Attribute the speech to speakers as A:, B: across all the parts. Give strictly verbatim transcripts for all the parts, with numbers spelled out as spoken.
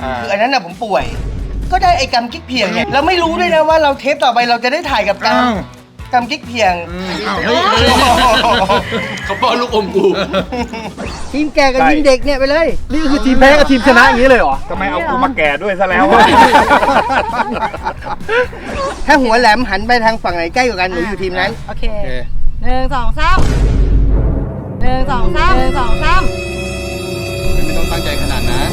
A: คืออันนั้นน่ะผมป่วยก็ได้ไอ้กำกิ๊กเพียงเนี่ยเราไม่รู้ด้วยนะว่าเราเทปต่อไปเราจะได้ถ่ายกับกำกำกิ๊กเพียง
B: เขาป้อนลูกอมกู
A: ทีมแก่กับทีมเด็กเนี่ยไปเลย
C: นี่คือทีมแพ้กับทีมชนะอย่างนี้เลยเหรอ
D: ทำไมเอากูมาแก่ด้วยซะแล้ว
A: ถ้าหัวแหลมหันไปทางฝั่งไหนใกล้กว่ากันหนูอยู่ทีมนั้น
E: โอเคหนึ่งสองสามหนึ่งสองสามหนึ่งสองสาม
C: ไม่ต้องตั้งใจขนาดนั้น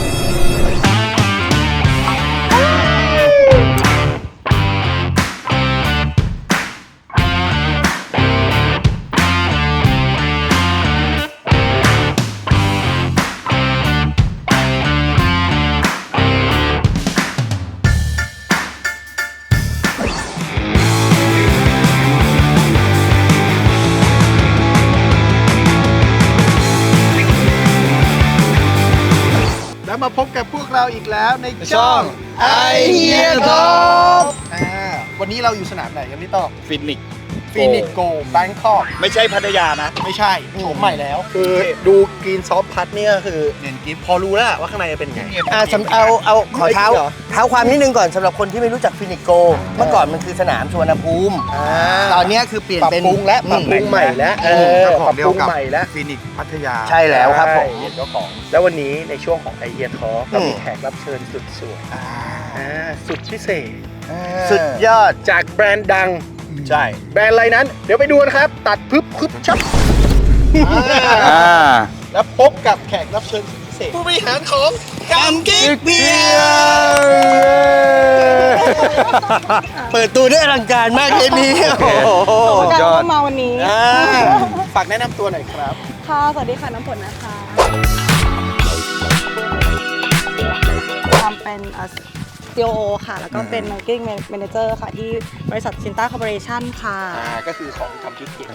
C: มาพบกับพวกเราอีกแล้วในช่องไอเฮียท็อปวันนี้เราอยู่สนามไหนกันพี่ต้อ
D: ฟินิก
C: ฟินิกโกแบงคอก
D: ไม่ใช่พัทยานะ
C: ไม่ใช่โฉมใหม่แล้วคือดูกรีนซอฟพัทเนี่ยคือเน้นกิฟพอรู้แล้วว่าข้างในเป็นไง
A: อ่าสำเอาเอาขอเท้าเท้าความนิดนึงก่อนสำหรับคนที่ไม่รู้จักฟินิกโกเมื่อก่อนมันคือสนามสุวรรณภูมิตอนนี้คือเปลี่ยนเป็น
C: ปรับปรุงและปรับปรุงใหม่แล้ว
D: เออปรับปรุงใหม่แล้วฟินิกพัทยา
A: ใช่แล้วครับผม
C: เจ้าของแล้ววันนี้ในช่วงของไอเฮียท็อปเรามีแขกรับเชิญสุดสวยสุดพิเศษ
A: สุดยอด
C: จากแบรนด์ดังใช่แบรนด์อะไรนั้นเดี๋ยวไปดูกันครับตัดพึบพึบชับแล้วพบกับแขกรับเชิญสุดพิเศษผู้บริหารของกำกิ๊กเพีย
A: เปิดตัวด้วยอลังการมากเลยนี่
E: โอ้โหการเข้ามาวันนี้
C: ฝากแนะนำตัวหน่อยครับ
E: ค่ะสวัสดีค่ะน้ำฝนนะคะทำเป็นซี โอ โอ ค่ะแล้วก็เป็น Marketing Manager ค่ะที่บริษัทชินต้าคอร์ปอเรชั่นค่ะ
C: อ่าก็คือของกำกิ๊กเพียง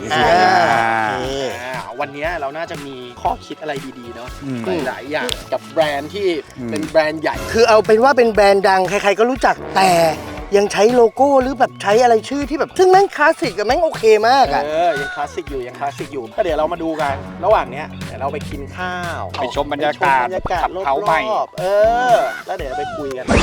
C: วันนี้เราน่าจะมีข้อคิดอะไรดีๆเนาะหลายอย่างกับแบรนด์ที่เป็นแบรนด์ใหญ่
A: คือเอาเป็นว่าเป็นแบรนด์ดังใครๆก็รู้จักแต่ยังใช้โลโก้หรือแบบใช้อะไรชื่อที่แบบซึ่งแม่งคลาสสิกกับแม่งโอเคมากอ่ะ
C: เออยังคลาสสิกอยู่ยังคลาสสิกอยู่ก็เดี๋ยวเรามาดูกันระหว่างเนี้ยเดี๋ยวเราไปกินข้าว
D: ไปชมบรรยากาศ
C: ขับเขาใหม่เออแล้วเดี๋ยวไปคุยกัน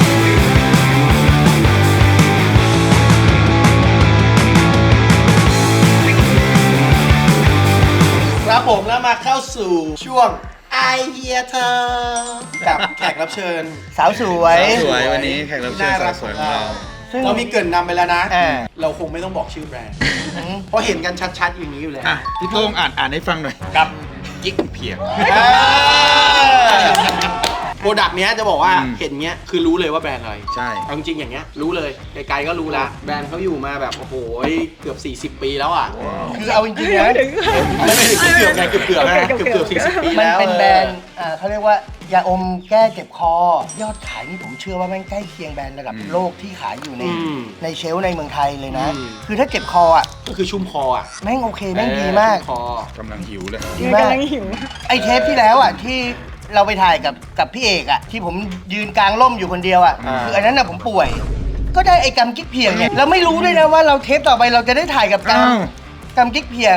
C: ครับผมแล้วมาเข้าสู่ช่วงไอเฮียเธอกับแขกรับเชิญ
A: สาวสวย
D: สวยวันนี้แขกรับเชิญสาวสวยของเรา
C: เรามีเกริ่นนำไปแล้วนะเราคงไม่ต้องบอกชื่อแบรนด์เพราะเห็นกันชัดๆอย่างนี้อยู่แล้ว
D: พี่โต้งอ่านอ่านให้ฟังหน่อยกับกิ๊กเพียง
C: โปรดักต์เนี้ยจะบอกว่าเห็นเนี้ยคือรู้เลยว่าแบรนด์อะไร
D: ใช่
C: จริงๆอย่างเงี้ยรู้เลยไกลๆก็รู้ละแบรนด์เขาอยู่มาแบบโอ้โหเกือบสี่สิบปีแล้วอ่ะ
A: คือเอาจริงๆนะ
C: ไม่ไม่ถึงเกือบไงเกือบเกือบนะเกือบเกือบสี่สิบปี
A: แล้วมันเป็นแบรนด์เขาเรียกว่ายาอมแก้เจ็บคอยอดขายนี่ผมเชื่อว่าแม่งใกล้เคียงแบรนด์ระดับโลกที่ขายอยู่ในในเชลฟ์ในเมืองไทยเลยนะคือถ้าเจ็บคออ่ะ
C: ก็คือชุ่มคออ่ะ
A: แม่งโอเคแม่งดีมาก
D: กำลังหิวเลย
A: ดีมากไอเทปที่แล้วอ่ะที่เราไปถ่ายกับกับพี่เอกอ่ะที่ผมยืนกลางร่มอยู่คนเดียวอ่ะคืออันนั้นน่ะผมป่วยก็ได้ไอ้กำกิ๊กเพียงเนี่ยเราไม่รู้ด้วยนะว่าเราเทปต่อไปเราจะได้ถ่ายกับกำกำกิ๊กเพียง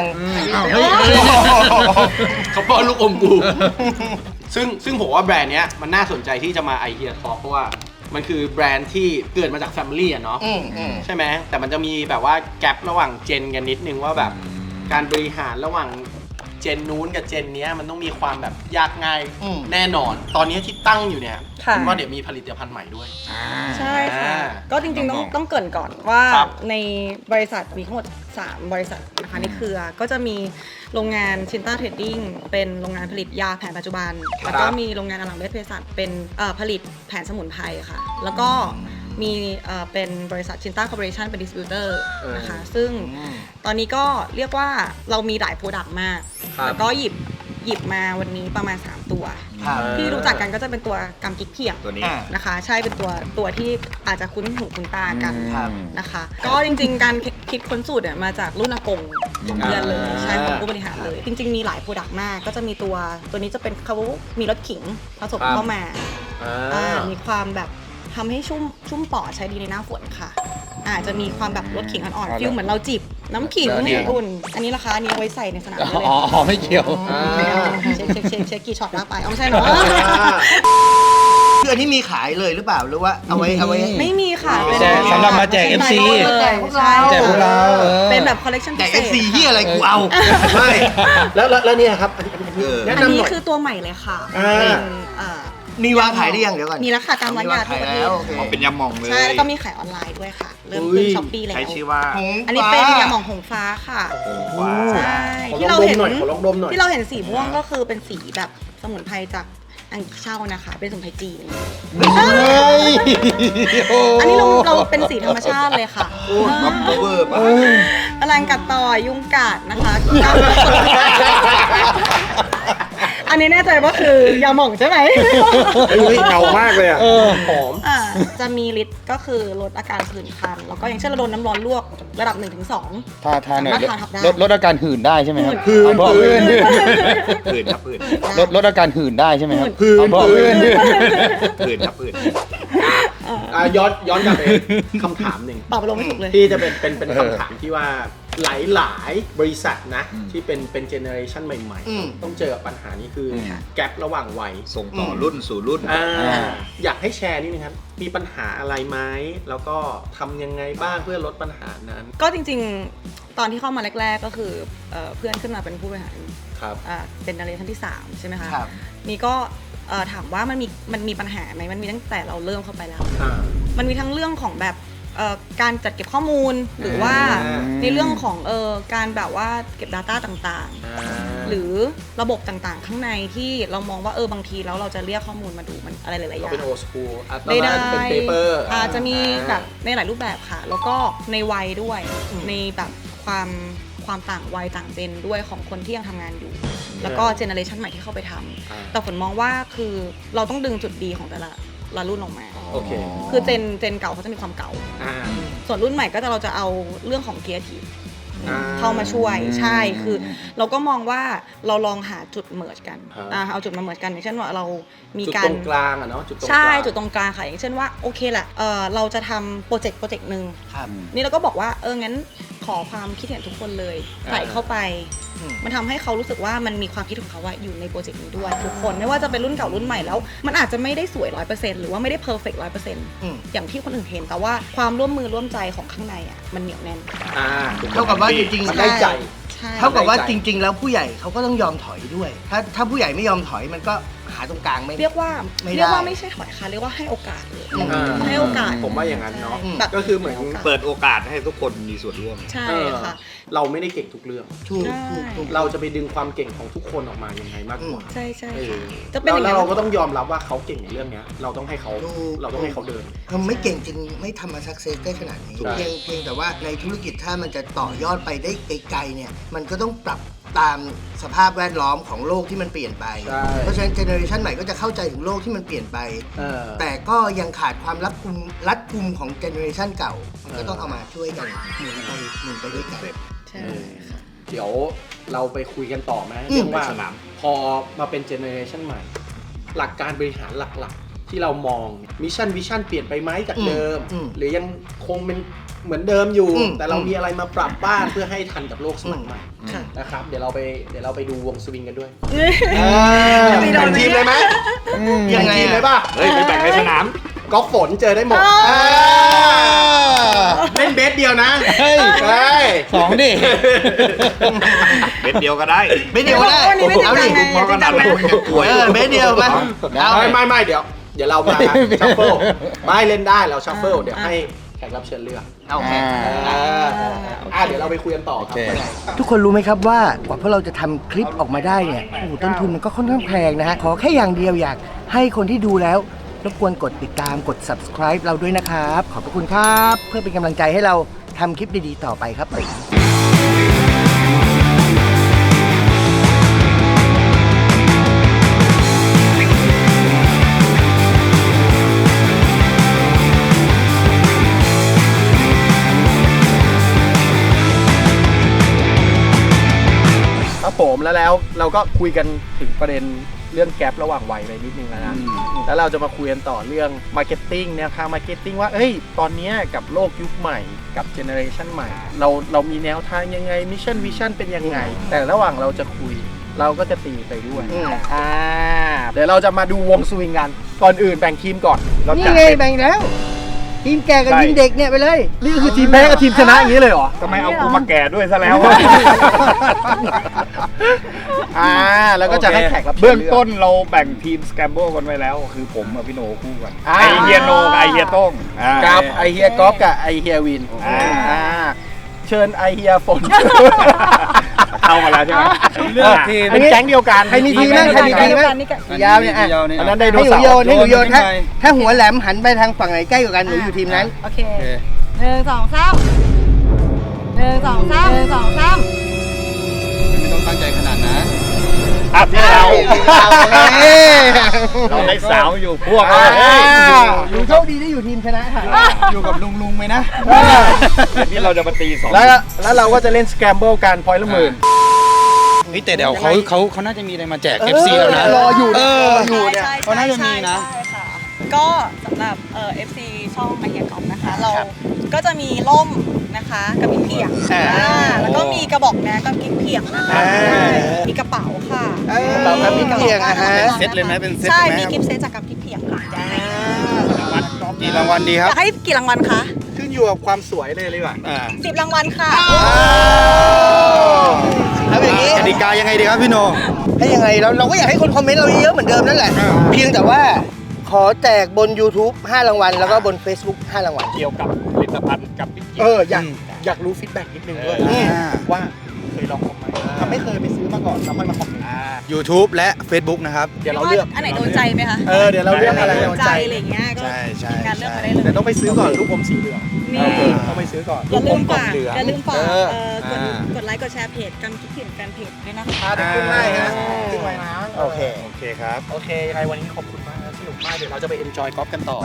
C: เขาป้อนลูกอมกูซึ่งซึ่งผมว่าแบรนด์เนี้ยมันน่าสนใจที่จะมาไอเฮียท็อปเพราะว่ามันคือแบรนด์ที่เกิดมาจากแฟมิลี่อ่ะเนาะใช่ไหมแต่มันจะมีแบบว่าแกลบระหว่างเจนกันนิดนึงว่าแบบการบริหารระหว่างเจนนู้นกับเจนนี้มันต้องมีความแบบยากง่ายแน่นอนตอนนี้ที่ตั้งอยู่เนี่ยว่าเดี๋ยวมีผลิตภัณฑ์ใหม่ด้วย
E: ใช่ค่ะก็จริงๆต้องต้องเกริ่นก่อนว่าในบริษัทมีทั้งหมดสามบริษัทนะคะในเครือก็จะมีโรงงานชินต้าเทรดดิ้งเป็นโรงงานผลิตยาแผนปัจจุบันแล้วก็มีโรงงานอลังเวชเภสัชเป็นผลิตแผนสมุนไพรค่ะแล้วก็มีเป็นบริษัทชินต้าคอร์ปอเรชั่นเป็นดิสติบิวเตอร์นะคะซึ่งตอนนี้ก็เรียกว่าเรามีหลายโปรดักต์มากแล้วก็หยิบหยิบมาวันนี้ประมาณสามตัวที่รู้จักกันก็จะเป็นตัวกำกิ๊กเพียง
D: ตัวนี้
E: นะคะใช่เป็นตัวตัวที่อาจจะคุ้นหูคุ้นตากันนะคะก็จริงๆการคิดค้นสูตรเนี่ยมาจากรุ่นอากงของเพื่อนเลยใช่ของผู้บริหารเลยจริงๆมีหลายโปรดักต์มากก็จะมีตัวตัวนี้จะเป็นเขามีรสขิงผสมเข้ามามีความแบบทำให้ชุ่มชุ่มปอดใช้ดีในหน้าฝนค่ะอาจจะมีความแบบรสขิงอ่อนๆฟิลเหมือนเราจิบน้ำขิงอุ่นอันนี้ราคาอันนี้เอาไว้ใส่ในสนามได้เลย
D: อ๋อไม่เกี่ยว
E: เช็คเช็คเช็คเช็คกี่ช็อตแล้วไปเอาไม่ใช่เนาะ
A: คืออันนี้มีขายเลยหรือเปล่าหรือว่าเอาไว้เอาไว้
E: ไม่มีค่ะ
D: แจกสำหรับมาแจก เอฟ ซี
E: ใช่ใช่
D: แจกพวกเราเออ
E: เป็นแบบคอลเลกชันพิ
A: แต่
E: เศ
A: เอ
E: ษ
A: ฟซีที่อะไรกูเอา
C: ใช่แล้วแล้วแล้วเนี่ยครับอันนี้อันนี้แนะ
E: อัน
C: นำ
E: นี้
C: หน่อย
E: คือตัวใหม่เลยค่ะ
C: อ่า
E: เป็นเอ่อ
A: มีวางขายได้ยังเดี๋ยวก่อน
E: มีแล้วค่ะตามร้านยาทั่วประเทศ
A: แล้วโอเค
D: อ๋อเป็นยำหม่องเลย
E: ใช่แล้วก็มีขายออนไลน์ด้วยค่ะ เริ่มขึ้นช้อปปี้แล้ว
D: ใช้ชื่อว่า
E: อันนี้เป็นยาหม่องหงฟ้าค่ะ
D: ว้า
E: ใช่
C: ขอ
E: ที่
C: ลอง
E: เรา
C: ดม
E: เห็น
C: หน่อยขอลองดมหน่อย
E: ที่เราเห็นสีม่วงก็คือเป็นสีแบบสมุนไพรจากอังกฤษเช่านะคะ เป็นสมุนไพรจีน อันนี้เราเราเป็นสีธรรมชาติเลยค่ะ
D: บัฟเวอร์ป่ะ
E: แมลงกัดต่อยยุงกัดนะคะ อันนี้แน่ใจว่าคือยาหม่องใช่ไหม
C: เฮ้ยเงามากเลยอ่ะหอม
E: อ่าจะมีฤทธิ์ก็คือลดอาการผื่นคัน แล้วก็อย่างเช่นเราโดนน้ำร้อนลวกระดับหนึ่งถึงสอง
B: ทาทาหน่อย
E: สามารถทาทับได้
B: ลดลดอาการหื่นได้ใช่ไหมครับ
C: หื่น
B: บอก
C: หื่
B: หื่
C: น
B: น
D: ผื่นครับผื่น
B: ลดลดอาการหื่นได้ใช่ไหมครับ
C: หื่น
B: บอก
C: หื่
B: หื่
C: น
B: น
D: ผื่นครับผื่น
C: อ่ะย้อนย้อนกลับไปคำถามหนึ่ง
E: ตอบไปลงไม่ถูกเลย
C: ที่จะเป็นเป็นเป็นคำถามที่ว่าหลายหลายๆบริษัทนะ ที่เป็นเป็นเจเนอเรชันใหม่
A: อืม
C: ๆ ต้องเจอกับปัญหานี้คืออ
D: ม
C: แกลระหว่างวัย
D: ส่งต่อรุ่นสู่รุ่น
C: อ่า
B: อ่า
C: อยากให้แชร์นิดนึงครับ มีปัญหาอะไรไหมแล้วก็ทำยังไงบ้างเพื่อลดปัญหานั้น
E: ก็จริงๆ ตอนที่เข้ามาแรก ๆ ก็คือเอ่อเพื่อนขึ้นมาเป็นผู้บริหาร
C: ครับ
E: อ่าเป็นเจเนอเรชันที่สามใช่ไหมคะ
A: ครับ
E: นี่ก็เอ่อถามว่ามันมีมันมีปัญหาไหมมันมีตั้งแต่เราเริ่มเข้าไปแล้ว
C: อ่า
E: มันมีทั้งเรื่องของแบบเอ่อการจัดเก็บข้อมูล หรือว่า
C: อ่า
E: ในเรื่องของเอ่อการแบบว่าเก็บ Data ต่างๆ หรือระบบต่างๆ ข้างในที่เรามองว่าเออบางทีแล้วเราจะเรียกข้อมูลมาดูมันอะไรหลายๆอ
C: เรา
E: ย่าง
C: เป็นโอสคูลอ่ะตอน
E: ได้
C: นั้นเป็นเปเปอร์
E: อาจจะมีแบบในหลายรูปแบบค่ะ แล้วก็ในวัยด้วย ในแบบความความต่างวัยต่างเจนด้วยของคนที่ยังทำงานอยู่ แล้วก็เจเนอเรชันใหม่ที่เข้าไปทำ
C: อ่า
E: แต่ฝนมองว่าคือเราต้องดึงจุดดีของแต่ละละรุ่นออกมา
C: โอเค
E: คือเจนเจนเก่าเขาจะมีความเก่า
C: อ่า
E: ส่วนรุ่นใหม่ก็จะเราจะเอาเรื่องของ creative
C: อ่า
E: เข้ามาช่วยใช่คือเราก็มองว่าเราลองหาจุดเมิร์จกัน
C: ครับ
E: อ่าเอาจุดมาเมิร์จกันอย่างเช่นว่าเรามี
C: จุด
E: กา
C: ต
E: ร
C: รงกลางอะเนาะจุดตรงกลาง
E: ใช่จุดตรงกลางค่ะอย่างเช่นว่าโอเคแหละเออเราจะทำโปรเจกต์โปรเจกต์หนึ่ง
A: ครับ
E: นี่เราก็บอกว่าเอองั้นขอความคิดเห็นทุกคนเลยใส่เข้าไป
A: อืม
E: มันทำให้เขารู้สึกว่ามันมีความคิดของเขาว่าอยู่ในโปรเจกต์นี้ด้วยทุกคนไม่ว่าจะเป็นรุ่นเก่ารุ่นใหม่แล้ว มันอาจจะไม่ได้สวยร้อยเปอร์เซ็นต์หรือว่าไม่ได้เพอร์เฟกต์ร้อยเปอร์เซ็นต์
A: อืม
E: อย่างที่คนอื่นเห็นแต่ว่าความร่วมมือร่วมใจของข้างในอ่ะมันเหนียวแน่น
C: อ่า
A: เท่ากับว่าจริง
C: มันได้ใจ
E: ใช่
A: ๆเท่ากับว่า
C: ได้ใจ
A: จริง ๆ แล้วผู้ใหญ่เขาก็ต้องยอมถอยด้วย ถ้าถ้าผู้ใหญ่ไม่ยอมถอยมันก็หาตรงกลางไม่
E: เรียกว่า
A: ไม่ได้
E: เรียกว่าไม่ใช่ถอยค่ะเรียกว่าให้โอกาสเลย
A: อืม
C: อ่า
E: ให้โอกาส
C: ผมว่าอย่างนั้นเนาะ
E: แบบ
C: ก็คือเหมือน
D: เปิดโอกาสให้ทุกคนมีส่วนร่วม
E: ใช่
C: เออ
E: ค่ะ
C: เราไม่ได้เก่งทุกเรื่อง
A: ถูก
E: ใช่
A: ถูกถูก
C: เราจะไปดึงความเก่งของทุกคนออกมายังไงมากกว่า
E: ใช่ใช่
C: เออ
E: ค่ะจะเป็นอย่าง
C: แล้ว
E: นั้น
C: เราก็ต้องยอมรับว่าเขาเก่งในเรื่องเนี้ย เราต้องให้เขา
A: ถูก
C: เราต้องให้เขาเดิน
A: ทำไม่เก่งจริงไม่ทำมาสักเซสได้ขนาดนี้
C: ใช่
A: เพียงเพียงแต่ว่าในธุรกิจถ้ามันจะต่อยอดไปได้ไกลๆเนี่ยมันก็ต้องปรับตามสภาพแวดล้อมของโลกที่มันเปลี่ยนไป
C: ใช่
A: เพราะฉะนั้นเจเนอเรชันใหม่ก็จะเข้าใจถึงโลกที่มันเปลี่ยนไป
C: เออ
A: แต่ก็ยังขาดความรัดกุมรัดกุมของเจเนอเรชันเก่า มันก็ต้องเอามาช่วยกันหมุนไปหมุนไปด้วยกัน
E: ใช่ค่ะ
C: เดี๋ยวเราไปคุยกันต่อไหม
A: อืม
C: เรื่องว่า
D: ไปสนาม
C: พอมาเป็นเจเนอเรชันใหม่ หลักการบริหารหลักๆ ที่เรามองมิชชั่นวิชั่นเปลี่ยนไปไหมจากเดิม
A: อืม
C: หรือยังคงเป็นเหมือนเดิมอยู่
A: อืม
C: แต่เรามีอะไรมาปรับบ้างเพื่อให้ทันกับโลกสมัยใหม่
E: ค่ะ
C: นะครับเดี๋ยวเราไปเดี๋ยวเราไปดูวงสวิงกันด้วย
E: จะมีโด
C: แบ่
E: น
C: ง
E: ไหม
C: ทีมเลยไหม
A: ยั
C: แบ่
A: ง
C: ง
A: ไง
C: ทีม
A: อะ
C: เลยป่ะ
D: เฮ้ยไปแบ่งในสนาม
C: กอล์ฟฝนเจอได้หมด
E: อ๋อ
C: เออเล่นเบสเดียวนะ
B: เฮ้ย
C: เฮ้ย
B: สองดิ
D: เบ็ดเดียวก็ได้
A: เบสเดียวก็ได้
E: วันนี้ไม่จริง
A: เอา
E: จั
A: ดิ
E: งไง
D: พอกันดันเลย
A: เออเบสเดียวมาเอา
C: ไม่ไม่ไม่เดี๋ยว เดี๋ยวเรามาชัฟเฟิลไม่เล่นได้เราชัฟเฟิลเดี๋ยวให้แขกรับเชิญเลือก
A: เอาโอเค
C: อ่าอ่าเดี๋ยวเราไปคุยกันต่อครับ
B: โอเค
A: ทุกคนรู้ไหมครับว่ากว่าพวกเราจะทำคลิปออกมาได้เนี่ยโอ้โหต้นทุนมันก็ค่อนข้างแพงนะฮะ ขอแค่อย่างเดียวอยากให้คนที่ดูแล้วรบกวนกดติดตามกด subscribe เราด้วยนะครับ ขอบพระคุณครับ เพื่อเป็นกำลังใจให้เราทำคลิปดีๆต่อไปครับผม
C: ครับผมแล้วแล้วเราก็คุยกันถึงประเด็นเรื่องแกลระหว่างวัยไปนิดนึงแล้วนะ แล้วเราจะมาคุยกันต่อเรื่องมาร์เก็ตติ้งแนวทางมาร์เก็ตติ้งว่าเอ้ยตอนเนี้ยกับโลกยุคใหม่กับเจเนอเรชันใหม่ เราเรามีแนวทางยังไงมิชชั่นวิชั่นเป็นยังไง แต่ระหว่างเราจะคุย
F: เราก็จะตีไปด้วย
A: อืม
F: อ่าเดี๋ยวเราจะมาดูวงสวิงกันก่อนอื่นแบ่งทีมก่อนเรา
A: นี่
F: จัด
A: ไง
F: เป็น
A: แบ่งแล้ว ทีมแก่กับทีมเด็กเนี่ยไปเลย
F: นี่คือทีมแพ้กับทีมชนะอย่างนี้เลยเหรอ
D: ทำไมเอากูมาแก่ด้วยซะแล้ว
F: อ่าแล้วก็จะให้แขกรับเชิญ
D: เบื้องต้นเราแบ่งทีมสแกมเบิลกันไว้แล้ว คือผมกับพี่โนคู่กัน
F: อ่า
D: ไอเฮียโนกับไอเฮียโต้งอ่า
F: กับไอเฮียกอล์ฟกับไอเฮียวิน
D: อ่า
F: อ่าเชิญไอเฮียฝน
D: เข้ามาแล้วใช่ไหม
F: เลือกทีมเป็นแก๊งเดียวกัน
A: ใครมีทีมบ้างใครมีทีมบ้างยาวเนี่ยอ่ะ
F: อันนั้นได้โด
A: ให้หนู
F: เสา
A: โยนให้หนูโยน
B: โยน
A: ถ้า
B: ขึ้นไป
A: ถ้าหัวแหลมหันไปทางฝั่งไหนใกล้กว่ากันหนูอยู่ทีมนั้น
E: โอเคหนึ่งสองสามหนึ่งสองสามหนึ่งสองสาม
B: ไม่ต้องตั้งใจขนาดนั้น
D: อ่ะที่เรา
A: เอ้ย
D: เราได้สาวอยู่พวก
A: อ่า
D: เราเฮ้ย
A: หนูโชคดีได้อยู่ทีมชนะค่ะ
B: อยู่กับลุงลุงๆไหมนะ
D: นี่เราจะมาตีสอง
F: แล้วแล้วเราก็จะเล่นสแกมเบิลกันพอยต์ละหมื่น
B: เฮ้ยแต่เดี๋ยวเขาเขาเขาน่าจะมีอะไรมาแจก เอฟ ซี แล้วนะ
A: รออยู่
B: เออ
A: อยู่เนี่ย
E: ใช่
B: เขาน่าจะมีนะ
E: ใช่ค่ะก็สำหรับเอ่อ เอฟ ซี ช่องมาเฮียกอมนะคะ เราก็จะมีร่มนะคะกับกิ๊กเพียง
A: อ่า
E: อ่าแล้วก็มีกระบอกนะกับกิ๊กเพียงนะคะ
A: อ่า
E: มีกระเป๋าค่ะ
A: เออกระเป๋ากับกิ๊กเพียงอ่ะฮะ
B: เซตเลยไหมเป็นเซต
E: ใช่
B: เลยไหม
E: มี
B: ครับ
E: กิฟต์เซตจากกับกิ๊กเพียงค่ะได้
B: กี่รางวัลดีค
E: อ
B: รับ
E: ยากให้กี่รางวัลคะ
F: ขึ้นอยู่กับความสวยเลยเลยว่ะ
B: อ่า
E: สิบรางวัลค่ะ
A: เอาอย่างนี้
B: กติกายังไงดีครับพี่โน
A: ให้ยังไงเราเราก็อยากให้คนคอมเมนต์เราเยอะเหมือนเดิมนั่นแหละ เพียงแต่ว่าขอแจกบน YouTube ห้ารางวัล แล้วก็บน Facebook ห้ารางวัล
C: เกี่ยวกับผลิตภัณฑ์กับพี่เกีย
F: เอ
C: ร์
F: ออยากอยากรู้ฟีดแบ็กนิดนึงด้วย
A: อืม
F: ว่าเคยลองของไหมถ้าไม่เคยไปซื้อมาก่อนแล้วค่อยมาคอมเมนต์
B: YouTube และ Facebook นะครับ
F: เดี๋ยวเราเลือก
E: อันไหนโดนใจไหมคะ
F: เออเดี๋ยวเราเลือกอะไร
E: โด
F: โด
E: น
F: น
E: ใจ
F: ใจ
E: อะไรอย่างเงี้ยก็
B: ใช่ใช่
E: มีการเลือกมาได้เลย
F: แต่ต้องไปซื้อก่อนลูกอมสีเหลือง
E: นี่
F: ต้องไปซื้อก่อน
E: อย่าลืมฝาก
F: เหลือง
E: อย่าลืมฝาก
F: เออ
E: เอ่อกด
B: อ่า
E: กดไลค์กดแชร์เพจกันคิดถึงแฟนเพจด้วยนะคะ
F: อ่าเดี๋ยวขึ้นให้ฮะขึ้นไว้นะ
A: โอเค
B: โอเคครับ
F: โอเคยังไงวันนี้ขอบคุณมากนะสนุกมากเดี๋ยวเราจะไปเอนจอยกอล์ฟกันต่อ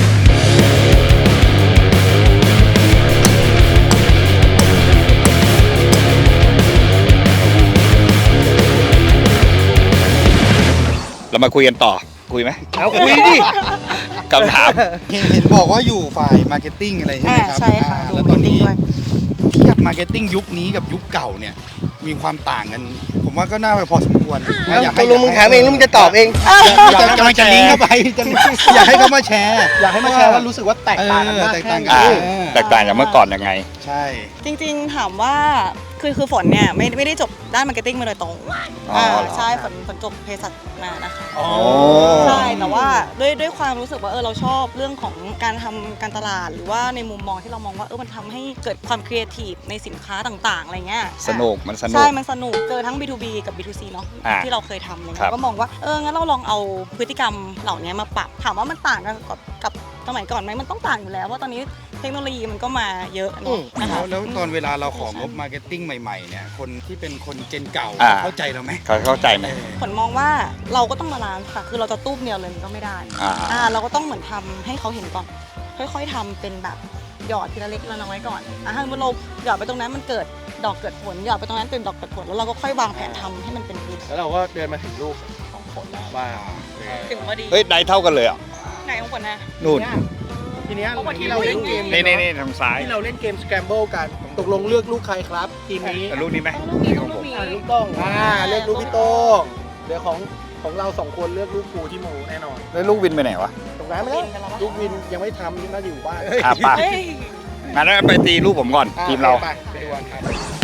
D: เรามาคุยกันต่อ คุยไหม
A: เอาคุยดิ
D: คำถาม
B: เห็นเห็นบอกว่าอยู่ฝ่ายมาร์เก็ตติ้งอะไรใช่ไหมครับ
E: อ่าใช่ค่ะ
B: อ่า
E: ดู
B: แล้วตอนนี้
E: marketing ด้วย
B: เทียบมาร์เก็ตติ้งยุคนี้กับยุคเก่าเนี่ย มีความต่างกัน ผมว่าก็น่าไปพอสมควร
A: เอา
B: อยาก
A: ต
B: ให้
A: กลงมึงถามเองหรือมึงจะตอบเอง
B: อยากให้กำลังจะลิงก์เข้าไปจะอยากให้เขามาแชร์
F: อยากให้มาแชร์ว่ารู้สึกว่าแตกต่างกันมาก
B: เออแตก
F: แค่
B: ต่าง
F: ไหน
B: กั
D: อ่า
B: น
D: แตกต่างจากเมื่อก่อนยังไง
B: ใช่
E: จริงๆถามว่าคือคือฝนเนี่ยไม่ไม่ได้จบด้านมาร์เก็ตติ้งมาโดยตรง
B: อ๋อ
E: อ่า
B: เหรอ
E: ใช่ฝนฝนจบเภสัชมานะคะ
B: โอ้
E: ใช่แต่ว่าด้วยด้วยความรู้สึกว่าเออเราชอบเรื่องของการทำการตลาดหรือว่าในมุมมองที่เรามองว่าเออมันทำให้เกิดความครีเอทีฟในสินค้าต่างๆอะไรเงี้ย
D: สนุกมันสนุก
E: ใช่มันสนุกเจอทั้ง บี ทู บี กับ บี ทู ซี เนาะ
D: อ่า
E: ที่เราเคยทำอะไร
D: ครั
E: เงี้
D: บ
E: ยก็มองว่าเอองั้นเราลองเอาพฤติกรรมเหล่านี้มาปรับถามว่ามันต่างกันกับกับสมัยก่อนไหมมันต้องต่างอยู่แล้วเพราะตอนนี้เทคโนโลยีมันก็มาเยอะเนอะนะคะ
B: แล้วแล้วตอนเวลาเราของงบมาร์เก็ตติ้งใหม่ๆเนี่ย คนที่เป็นคนเจนเก่า
D: อ่า
B: เข้าใจเราไหม
D: เขาเข้าใจไหม
E: ผลมองว่าเราก็ต้องบาลานซ์ค่ะ คือเราจะตู้มเดียวเลยมันก็ไม่ได้
D: อ่า
E: อ่าเราก็ต้องเหมือนทำให้เขาเห็นก่อน ค่อยๆทำเป็นแบบหยอดทีละเล็กทีละน้อยก่อนอ่ะถ้าเราหยอดไปตรงนั้นมันเกิดดอกเกิดผลหยอดไปตรงนั้นเป็นดอกเกิดผลแล้วเราก็ค่อยวางแผนทำให้มันเป็นรูป
F: แล้วเราก็เดินมาถึงลูกของผลแล้วว่า
E: ถึงพอดี
D: เฮ้ย ได้เท่ากันเลยอ่ะ
E: ไหนของผลนะ
D: นู่น
F: ทีเนี้ย
E: เพราะว่าที่
F: ที่เราเล่นเกม
D: นี่นี่นี่ทางซ้าย
F: ที่เราเล่นเกมสแกมเบิลกันตกลงเลือกลูกใครครับทีมนี้
D: แต่ลูกนี้ไหม
E: ลูกนี้ต้องลูกนี้
F: อ่าลูกโต้งอ่าเลือกลูกพี่โต้งเดี๋ยวของของเราสองคนเลือกลูกกูที่หมูแน่นอน
D: แล้วลูกวินไปไหนวะ
F: ตรงนั้นไม่ได้ลูกวินยังไม่ทำยังน่าจะอยู่บ้าน
D: อ่ะป่ะ
E: เฮ้ย
D: งั้นไปตีลูกผมก่อน
F: อ่
D: ทีมเรา
F: ไปไปดูกันครับ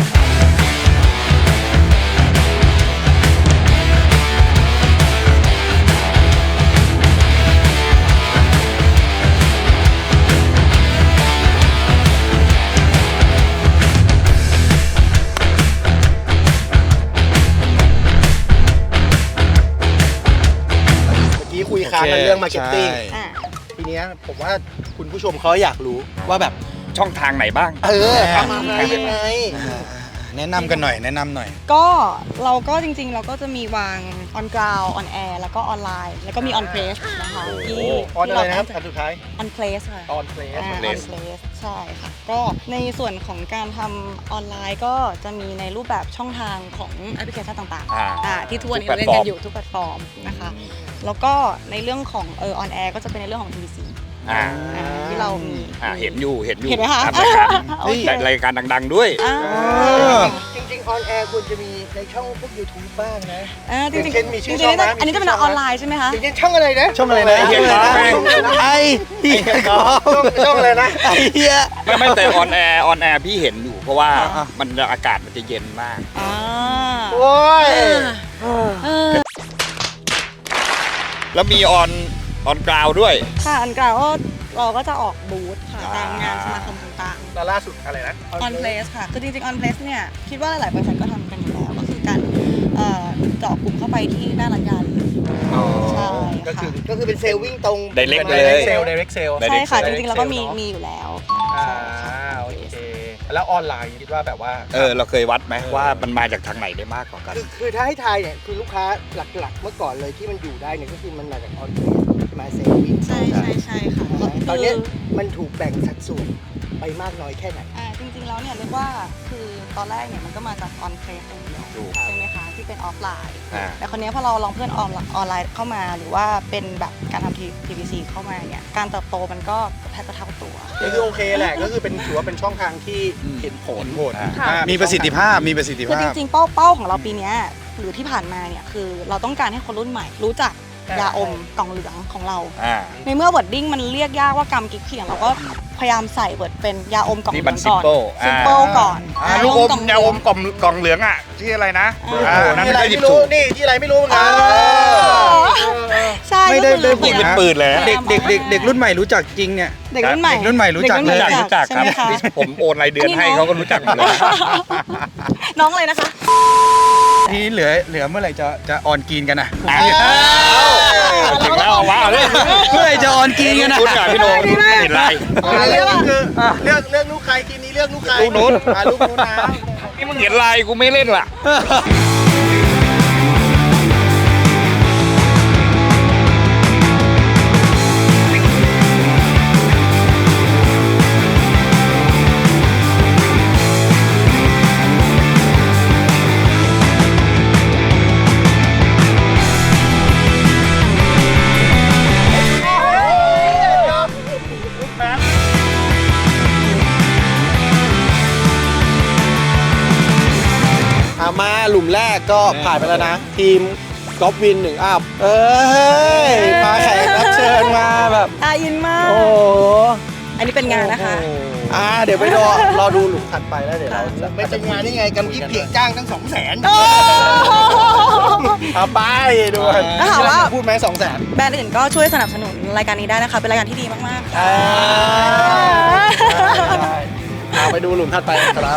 F: เมื่อกี้คุยค้างกันเรื่องมาร์เก็ตติ้ง
B: ใช่
E: อ่ะ
F: ทีเนี้ยผมว่าคุณผู้ชมเขาอยากรู้ว่าแบบ
D: ช่องทางไหนบ้าง
F: เออทำอะไรยังไง
B: แนะนำกันหน่อยแนะนำหน่อย
E: ก็เราก็จริงๆ เราก็จะมีวาง on ground on air แล้วก็ออนไลน์ แล้วก็มี on place นะคะที่
F: ออน
E: ที่
F: อะไร
E: เรา
F: นะครับ
E: ตั้งใจ
F: อันสุดท้าย
E: on place ค่ะ
F: ออนเพลส
E: อ่า on
D: place
E: place ใช่ค่ะ ก็ในส่วนของการทำออนไลน์ก็จะมีในรูปแบบช่องทางของแอปพลิเคชันต่าง
D: อ่า
E: ๆอ่าที่ทุกวันนี้
D: ทุ
E: เรา
D: กแพล
E: เล่
D: ตฟอร์ม
E: นกันอยู่ทุกแพลตฟอร์มนะคะ แล้วก็ในเรื่องของเออ on air ก็จะเป็นในเรื่องของ ที วี ซี
D: อ่า
E: ที่เรามี
D: อ่าเห็นอยู่เห็นอยู่
E: เห็นไหมคะ
D: ตามรายการ
E: โอเค
D: รายการดังๆด้วย
E: อ่า
A: จริงๆออนแอร์ควรจะมีในช่องพวก YouTube บ้างนะ
E: อ่าจริง
F: เช่นมี
E: ๆ
F: ชื่
E: จริ
F: อง ช่องไหม
E: ๆอันนี้จะเป็นออนไลน์ใช่ไหมคะ
A: อย่างเช่นช่องอะไรนะ
F: ช่องอะไรนะ
D: ไอ้เหี้ยกอล์ฟ
F: ไอ้เหี้ยกอล์ฟช่องช่องอะไรนะไอ้เหี้ย
D: ไม่ไม่แต่ออนแอร์ออนแอร์พี่เห็นอยู่เพราะว่ามันอากาศมันจะเย็นมาก
E: อ่า
F: โอ้ย
E: เออ
D: แล้วมีออนออนกราวด้วย
E: ค่ะอันกล่าวก็เราก็จะออกบูธค่ะตามงานสมาคมต่างๆ
F: แล้วล่าสุดอะไรนะ
E: on place ค่ะ คือจริงๆ on place เนี่ย คิดว่าหลายๆบริษัทก็ทำกันอยู่แล้ว ก็คือการเอ่อเจาะกลุ่มเข้าไปที่หน้าร้านยาเลยใช่
F: ก็คือ
E: ค่ะ
A: ก็คือเป็นเซลล์วิ่งตรง
D: Direct
F: ได
D: เลย
F: เรกเซลไดเรกเซล
D: Direct
E: ใช่ค่ะ จ
F: Direct
E: ริงๆ แล้วก็มี
F: sale เนอะ
E: มีอยู่แล้ว
F: อ่า
E: ใช่ค่ะ
F: โอเค แล้วออนไลน์คิดว่าแบบว่า
D: เออเราเคยวัดไหมว่ามันมาจากทางไหนได้มากกว่ากัน
A: คือคือถ้าให้ทายเนี่ยคือลูกค้าหลักๆ เมื่อก่อนเลยที่มันอยู่ได้เนี่ยก็คือมันมาจากออนไลน์ใช่ไหมเซลล์วิ่ง
E: ใช่ใช่ใช่ค่ะ
A: ตอนเนี้ย
E: คือ
A: มันถูกแบ่งสัดส่วนไปมากน้อยแค่ไหน
E: อ่าจริงๆ แล้วเนี่ยเรียกว่าคือตอนแรกเนี่ยมันก็มาจาก on place อย่างเดียว
D: ถูก
E: ใช่ไหมคะ ที่เป็นออฟไลน์
D: อ่า
E: แต่คนนี้พอเราลองเพื่อนออนออนไลน์เข้ามาหรือว่าเป็นแบบการทำ ที วี ซี เข้ามาเนี่ยการเติบโตมันก็แทบจะเท่าตัว
F: ก็คือโอเคแหละ ก็คือเป็นถือว่าเป็นช่องทางที่เห็นผล
B: ผล
E: ค่ะ
F: อ่า
B: มีประสิทธิภาพมีประสิทธิ
E: คือ
B: ภา
E: จ
B: พ
E: ริงๆ เป้าเป้าของเราปีเนี้ยหรือที่ผ่านมาเนี่ยคือเราต้องการให้คนรุ่นใหม่รู้จักยาอมกล่องเหลืองของเรา
D: อ่า
E: ในเมื่อเวิร์ดดิ้งมันเรียกยากว่ากำกิ๊กเขียงเราก็พยายามใส่เวิร์ดเป็นยาอมกล่องเห
D: นี่
E: ลื
D: มั
E: อน งก่อน
D: simple
E: ซิมเปิลก่อน
D: อ่าลูกอม
E: ล่ง
D: ยาอมกล่องกล่องเหลืองอ่ะที่อะไรนะ
E: อ่า
D: อ่านั่น
F: ที่อะไร
D: ก็หยิบ
F: ไม่รู้
D: ถูก
F: นี่ที่อะไรไม่รู้เหมือนกัน
E: ใช่
F: ไม่ได้
E: ก็คือ
F: ได้พู
D: ยิ
F: ด
D: งเป็นปืนเลยฮะ
F: เด็กเด็กเด็กเด็กรุ่นใหม่รู้จักจริงเนี่ย
E: เด็กรุ่นใหม่
F: เด็กรุ่นใหม่รู้จัก
E: เด็
F: เลย
E: รุ่น
D: รู้จัก
E: ใช่
D: ครับ
E: ไหมคะ
D: ที่ผมโอนรายเดือนให้เขาก็รู้จักหมดเลย
E: น้องเลยนะคะ
B: ทีนี้เหลือเหลือเมื่อไหร่จะจะออนกรีนกันนะ
D: อ่ะถึงแล้วเอาวะเอาเลย
B: เมื่อไหร่จะออนกรีนกันนะ
D: คุณกับพี่โนเห็นไร
F: เลือกคือเลือกเลือกลูกใครทีมนี้เลือกลูกใคร
D: ลูกนู้น
F: อ่าลูกนู้นนะ
D: นี่มึงเห็นไรกูไม่เล่นล่ะ
F: อ่ามาหลุมแรกก็ผ่านไปแล้วนะ ทีมกอล์ฟวินหนึ่งอัพเอ้ยมาแขกรับเชิญมาแบบ
E: อาอินมาก
F: โอ้โห
E: อันนี้เป็นงานนะคะ
F: อ่าเดี๋ยวไปรอรอดูหลุมถัดไปแล้วเดี๋ยวเราจะ
A: ไม่เป็นงานนี่ไงกำกิ๊บเพียงจ้างตั้งสองแสน
F: เอาไปด้วย
E: ถ้าถามว่า
F: พูดไหมสองแสน
E: แบรนด์อื่นก็ช่วยสนับสนุนรายการนี้ได้นะคะ เป็นรายการที่ดีมากๆค่ะ
F: เอาไปดูหลุมถัดไปครับ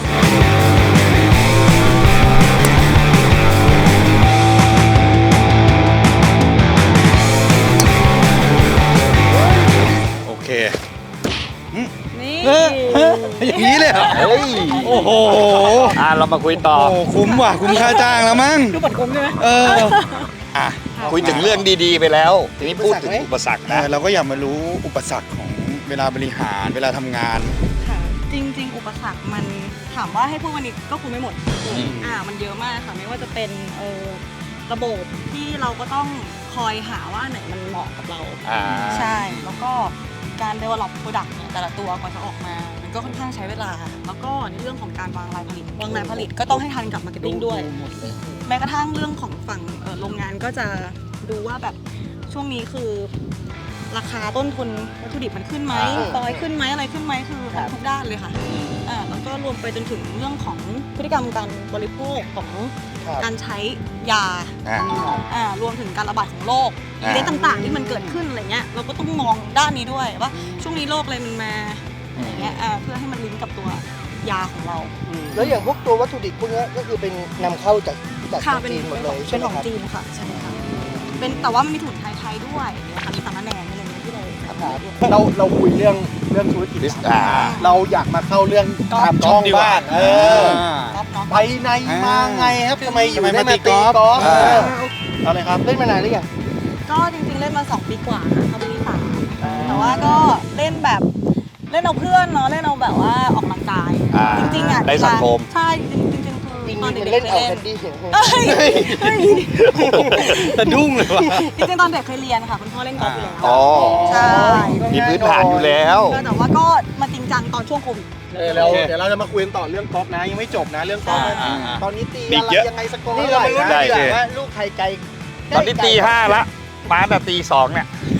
B: โอเค
E: นี่
B: อย่างนี้เลยเหรอ
D: เฮ้ย
B: โอ้โห
D: อ่ะเรามาคุยต่อ
B: โอ้คุ้มว่ะคุ้มค่าจ้างแล้วมั้ง
E: ดูเหมือนคุ้มใช่ไหม
B: เออ
D: อ่ะคุยถึงเรื่องดีๆไปแล้ว ทีนี้พูดถึงอุปสรรค
B: เอ
D: นะ
B: อเราก็อยากมารู้อุปสรรคของเวลาบริหารเวลาทำงาน
E: ค่ะ จริง ๆ อุปสรรคมันถามว่าให้พูดวันนี้ก็คุยไม่หมด
D: อืม
E: อ่า มันเยอะมากค่ะ ไม่ว่าจะเป็นเออระบบที่เราก็ต้องคอยหาว่าอันไหนมันเหมาะกับเรา
D: อ่า
E: ใช่ แล้วก็การ develop product เนี่ยแต่ละตัวก่อนจะออกมา มันก็ค่อนข้างใช้เวลา แล้วก็ในเรื่องของการวางรายผลิต วางรายผลิตก็ต้องให้ทันกับ marketing ด้วย แม้กระทั่งเรื่องของฝั่งเอ่อโรงงานก็จะดูว่าแบบช่วงนี้คือราคาต้นทุนวัตถุดิบมันขึ้นไหม
D: อ่า
E: ปอยขึ้นไหมอะไรขึ้นไหมคือมันทุกด้านเลยค่ะอ่าแล้วก็รวมไปจนถึงเรื่องของพฤติกรรมการบริโภคของ
F: ครับ
E: การใช้ยา
D: อ่า
E: อ่ารวมถึงการระบาดของโรค
D: อ่า
E: อีเวนต์ต่างๆ ที่มันเกิดขึ้นอะไรเงี้ยเราก็ต้องมองด้านนี้ด้วยว่าช่วงนี้โรคอะไรมันมาอะไรเงี้ยอ่าเพื่อให้มันลิงก์กับตัวยาของเรา
A: แล้วอย่างพวกตัววัตถุดิบพวกเนี้ยก็คือเป็นนำเข้าจากจาก
E: ค่ะเป็น
A: จีนหมด
E: เป็น
A: เล
E: ของ
A: ยใช่
E: เป็น
A: ไหม
E: ของ
A: ครับ
E: จีนค่ะใช่ค่ะเป็นแต่ว่ามันมีถุนไทยๆด้วยนะคะมีสามะแหนงอะไรเงี้ยที่เรา
F: เราเราคุยเรื่องเรื่องธุรกิจ
D: อ่า
F: เราอยากมาเข้าเรื่อง
E: กอล์ฟ
F: ทำช่องบ้างเออ
E: ก๊อฟเนาะ
F: ไปในมาไงครับทำไมอยู่
B: ทำไม
F: ได้
B: มา
F: มา
B: ตี
F: ตี
B: ก
F: ก
B: อ
F: อ
B: ล์
F: ล์
B: ฟ
F: ฟเออเอาเลยครับ
A: เล่นมานานหรือยัง
E: ก็จริงๆเล่นมาสองปีกว่านะเข้าปีสามแต่ว่าก็เล่นแบบเล่นเอาเพื่อนเนาะเล่นเอาแบบว่าออกกำลังกาย
D: อ่า
E: จริงๆอ่ะ
D: ได้สังคม
E: ใช่จริงๆจริงๆคือ
A: ปี
E: ๆตอนเด็กๆ
A: เล่น
E: เค
A: เอา
E: ยเล่
A: แคน
E: น
A: ดี้
E: เอ้ยเฮ้ย
F: สะดุ้งเลยว่ะ
E: จริงๆตอนเด็กเคยเรียนค่ะคุณพ่อเล่นกอล์ฟอยู่แล้ว
F: อ๋อ
E: ใช่
D: มีพื้นฐานอยู่แล้ว
E: แต่ว่าก็มาจริงจังตอนช่วงโควิด
F: เออแล้วเดี๋ยวเราจะมาคุยกันต่อเรื่องกอล์ฟนะยังไม่จบนะเรื่องกอล์ฟนะ
D: อ่าอ่า
F: ตอนนี้ตี
D: มี
F: อะไร
D: เยอะ
F: ยังไงสกอร์
A: นี่
F: เท่า
A: เรา
F: ไหร่
A: มาลุ้น
F: นะ
A: กันดีกว่าว่าลูกใครไกล
D: ตอนนี้ตีห้าละมาแต่ตีสองเนี่ย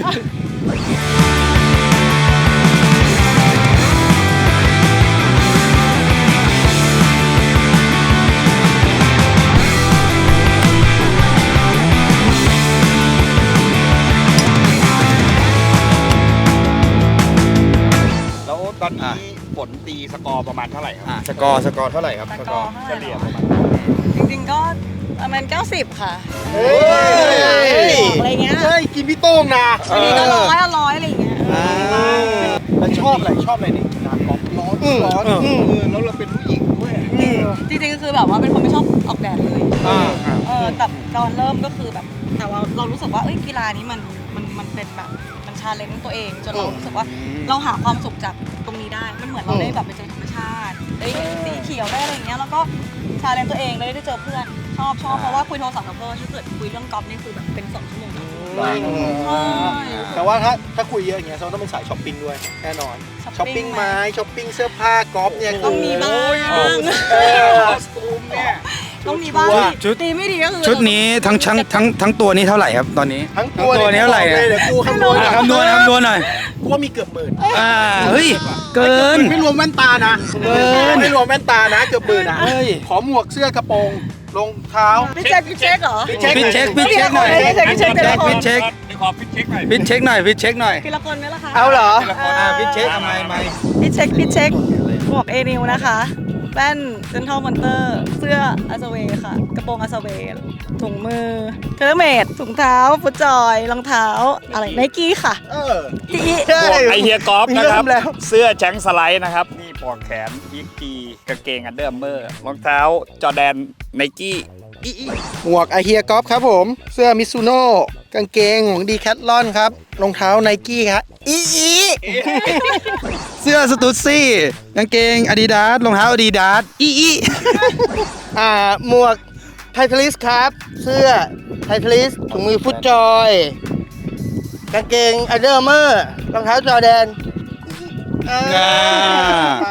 D: แล้วตอนนี้ฝนตีสกอร์ประมาณเท่าไหร่ครับ
B: สกอร์สกอร์เท่าไหร่ครับ
E: แต่
B: สก
E: ก็
B: อร์
E: เฉลี่ยประมาณจริงๆก็ประมาณเก้าสิบค่ะ
F: เฮ้ย
E: อะไรเงี้ย
F: เฮ้ยกินพี่โต้งนะ
E: อันนี้ก็ร้อยอะร้อยอะไรอย่างเงี้ย
F: แล้วชอบอะไรชอบอะไรในกีฬากอล์ฟร้อนร้อนเออแล้วเราเป็นผู้หญิงด้วย
E: จริงๆก็คือแบบว่าเป็นคนไม่ชอบออกแดดเลย
F: อ่า
E: เออแต่ตอนเริ่มก็คือแบบ แต่ว่าเรารู้สึกว่าเอ้ยกีฬานี้มันมันมันเป็นแบบมันชาเลนจ์ตัวเองจนเรารู้สึกว่าเราหาความสุขจากตรงนี้ได้มันเหมือนเราได้แบบไปเจอธรรมชาติได้สีเขียวได้อะไรอย่างเงี้ยแล้วก็ชาเลนจ์ตัวเองได้ได้เจอเพื่อนชอบชอบเพราะว่าคุยโทรศัพท์กับเพื่อนถ้าเกิดคุยเรื่องกอล์ฟนี่คือแบบเป็นสองชั่วโมงนะใช่
F: แต่ว่าถ้าถ้าคุยเยอะอย่างเงี้ยเราต้องเป็นสายช้อปปิ้งด้วยแน่นอนช้อปปิ้งไม้ช้อปปิ้งเสื้อผ้ากอล์ฟเนี่ย
E: ต้องมีบ้าง
F: เออ
E: ต้องมีบ้าง
B: ชุด
E: ตีไม่ดีก็คือ
B: ชุดนี้ทั้งทั้งทั้งทั้งตัวนี้เท่าไหร่ครับตอนนี้
F: ทั้งตัว
B: ทั้งตัวนี้เท่าไหร่เนี่ย
F: เดี๋ยวกูคำนวณ
B: อ่ะคำนวณคำนวณหน่อย
F: กูว่ามีเกือบหมื่น
B: อ่าเฮ้ยเกิน
F: ไม่รวมแว่นตานะ
B: เกิน
F: ไม่รวมแว่นตานะเกือบหมื่นนะ
B: เฮ้ย
F: ขอหมวกเสื้อกระโปรงรองเท้า
E: พี่เช็คพี่เช็คเหรอ
F: พี่เช็ค
B: พิชเช็คพิชเช็คหน่อย
E: พี่เช็คพี่เช็คแต่ละคน
B: พิชเช็ค
D: ขอพิชเช็คหน่อย
B: พิชเช็คหน่อยพิชเช็คหน่อย
E: ทีละคนไหมล่ะคะ
A: เอาเหรอ
B: อ่าพิชเช็คทำไมไม่
E: พี่เช็คพี่เช็คหมวกเอนิวนะคะแว่นเซนทรัลมอนเตอร์เสื้ออาซาเวค่ะ กระโปรงอาซาเวถุงมือเทเลเมดถุงเท้าฟุตจอยรองเท้าอะไรไนกี้ค่ะ
F: เออ
E: ที
D: หมวกไอเฮียกอล์ฟนะครับ
A: เริ่มแล้ว
D: เสื้อแช็งสไลด์นะครับ นี่ปลอกแขนพีกจีกางเกงอันเดอร์เมอร์รองเท้าจอแดนไนกี้อีอี
F: หมวกไอเฮียกอล์ฟครับผม เสื้อมิซูโน่กางเกงของดีแคทลอนครับรองเท้าไนกี้ครับอีอี
B: เสื้อสตูดซี่กางเกงอาดิดาสรองเท้าอาดิดาสอีอี
A: อ่าหมวกไททลิสครับ เสื้อไททลิสถุงมือฟุตจอยกางเกงอันเดอร์เมอร์รองเท้าจอแดน
B: อ่า
F: ไป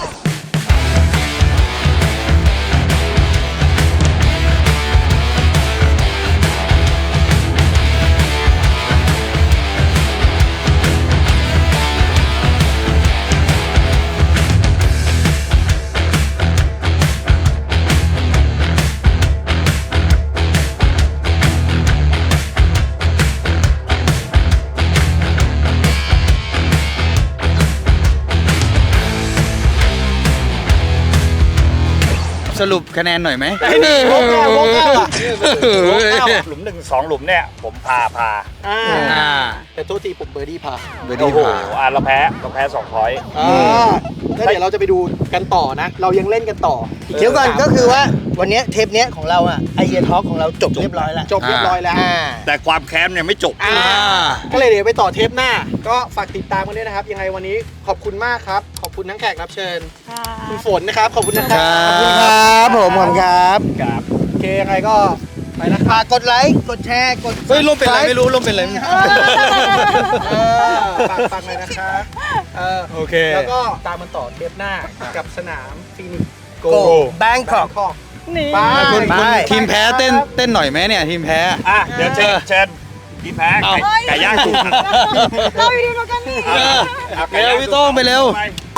B: สรุปคะแนนหน่อยไหม
F: ไอ้นี่วงเก้าวงเก้าอ่ะ
D: หลุมหนึ่งสองหลุมเนี่ยผมพาพา
F: อ่า
B: อ่า
F: แต่โทษทีผมเบอร์ดี้พา
B: เบอร์
D: โอ้
B: ดี้
D: โห
B: ผ่า
D: อ่ะเราแพ้เราแพ้สองพอยต์
F: อ่าแล้วเดี๋ยวเราจะไปดูกันต่อนะ เรายังเล่นกันต่อ
A: เดี๋ยวก่อนก็คือว่าวันเนี้ยเทปเนี้ยของเราอ่ะไอเดียทอล์กของเราจบเรียบร้อยแล้ว
F: จบเรียบร้อยแล้ว
A: อ่า
D: แต่ความแค้นเนี่ยไม่จบ
F: อ่าก็เลยเดี๋ยวไปต่อเทปหน้า ก็ฝากติดตามกันด้วยนะครับ ยังไงวันนี้ขอบคุณมากครับ ขอบคุณทั้งแขกรับเชิญ
E: ค่ะ
F: คุณฝนนะครับ ขอบคุณนะครับ
A: ขอบคุณครับผมขอบคุณครับ
F: โอเคยังไงก็ไปนะค
A: ฝา
F: รับ
A: กกดไลค์กดแชร์กด
B: เฮ้ยร่มเป็นไรไม่รู้ร่มเป็นไร
F: เออฝากฟังเลยนะครับเออ
B: โอเค
F: แล้วก็ตามมันต่อเทปหน้ากับสนามฟีนิกโก
A: โกแบงคอก
F: คอก
E: นี่
F: ไป
B: คุณ
A: ไป
B: คุณทีมแพ้เต้นเต้นหน่อยไหมเนี่ยทีมแพ้
D: อ่ะเดี๋ยวเชิญเชิญพี่แพ้ไก่ไก่ย่างถูก
E: เราอยู่ดีกันนี่
B: เร็วพี่โต้งไปเร็ว
D: ไป